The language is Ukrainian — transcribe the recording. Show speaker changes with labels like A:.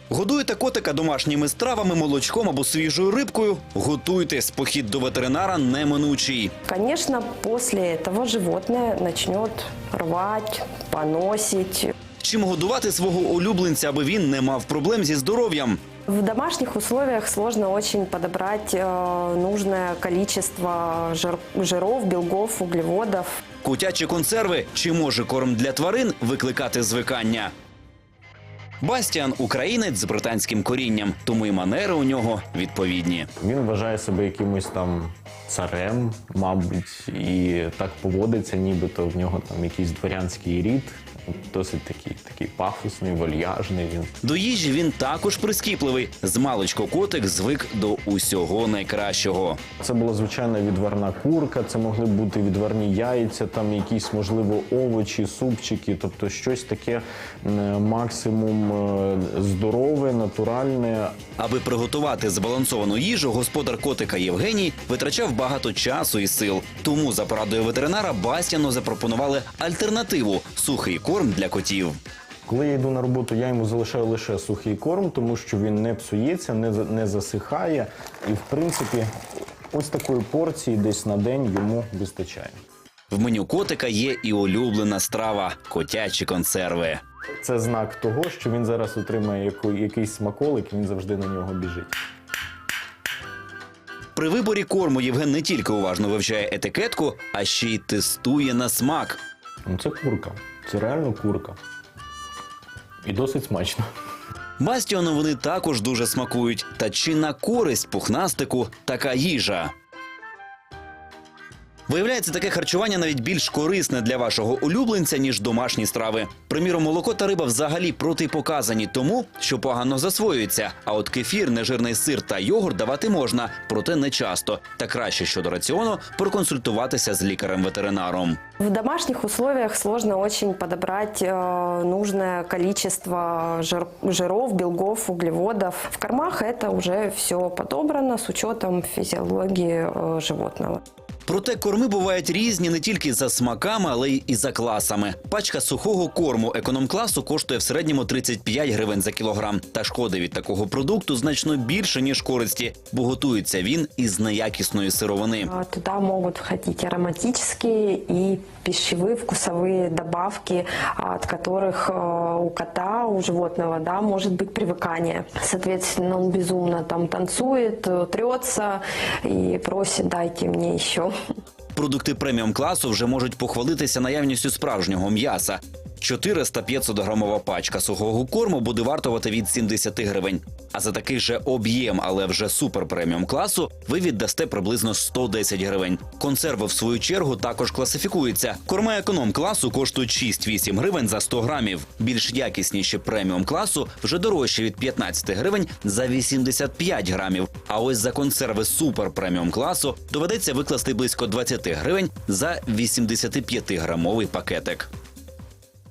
A: Годуєте котика домашніми стравами, молочком або свіжою рибкою? Готуйтесь, похід до ветеринара неминучий.
B: Конечно, после этого животное начнет рвать, поносить.
A: Чим годувати свого улюбленця, аби він не мав проблем зі здоров'ям?
B: В домашних условиях сложно очень подобрать нужное количество жиров, белков, углеводов.
A: Котячі консерви чи може корм для тварин викликати звикання? Бастіан – українець з британським корінням, тому і манери у нього відповідні.
C: Він вважає себе якимось там царем, мабуть, і так поводиться, нібито в нього там якийсь дворянський рід. Досить такий пафосний, вальяжний він.
A: До їжі він також прискіпливий. Змалечку котик звик до усього найкращого.
C: Це була звичайна відварна курка, це могли бути відварні яйця, там якісь, можливо, овочі, супчики, тобто щось таке максимум здорове, натуральне.
A: Аби приготувати збалансовану їжу, господар котика Євгеній витрачав багато часу і сил. Тому за порадою ветеринара Бастіану запропонували альтернативу – сухий корм для котів.
C: Коли я йду на роботу, я йому залишаю лише сухий корм, тому що він не псується, не засихає. І, в принципі, ось такої порції десь на день йому вистачає.
A: В меню котика є і улюблена страва – котячі консерви.
C: Це знак того, що він зараз отримає якийсь смаколик, і він завжди на нього біжить.
A: При виборі корму Євген не тільки уважно вивчає етикетку, а ще й тестує на смак.
C: Ну, це курка. Це реально курка. І досить смачно.
A: Бастіану вони також дуже смакують. Та чи на користь пухнастику така їжа? Виявляється, таке харчування навіть більш корисне для вашого улюбленця, ніж домашні страви. Приміром, молоко та риба взагалі протипоказані тому, що погано засвоюється. А от кефір, нежирний сир та йогурт давати можна, проте не часто. Та краще щодо раціону проконсультуватися з лікарем-ветеринаром.
B: В домашних условиях сложно очень подобрать нужное количество жиров, белков, углеводов. В кормах это уже все подобрано с учетом физиологии животного.
A: Проте корми бувають різні не тільки за смаками, але й і за класами. Пачка сухого корму економ-класу коштує в середньому 35 гривень за кілограм. Та шкоди від такого продукту значно більше, ніж користі, бо готується він із неякісної сировини.
B: Туда могут входить ароматические и пищевые вкусовые добавки, от которых у кота, у животного, да, может быть привыкание. Соответственно, он безумно там танцует, трется и просит: дайте мне еще.
A: Продукти преміум-класу вже можуть похвалитися наявністю справжнього м'яса. 400-500 пачка сухого корму буде вартувати від 70 гривень. А за такий же об'єм, але вже супер-преміум класу, ви віддасте приблизно 110 гривень. Консерви, в свою чергу, також класифікуються. Корма економ-класу коштують 6-8 гривень за 100 грамів. Більш якісніші преміум-класу вже дорожчі від 15 гривень за 85 грамів. А ось за консерви супер-преміум класу доведеться викласти близько 20 гривень за 85-грамовий пакетик.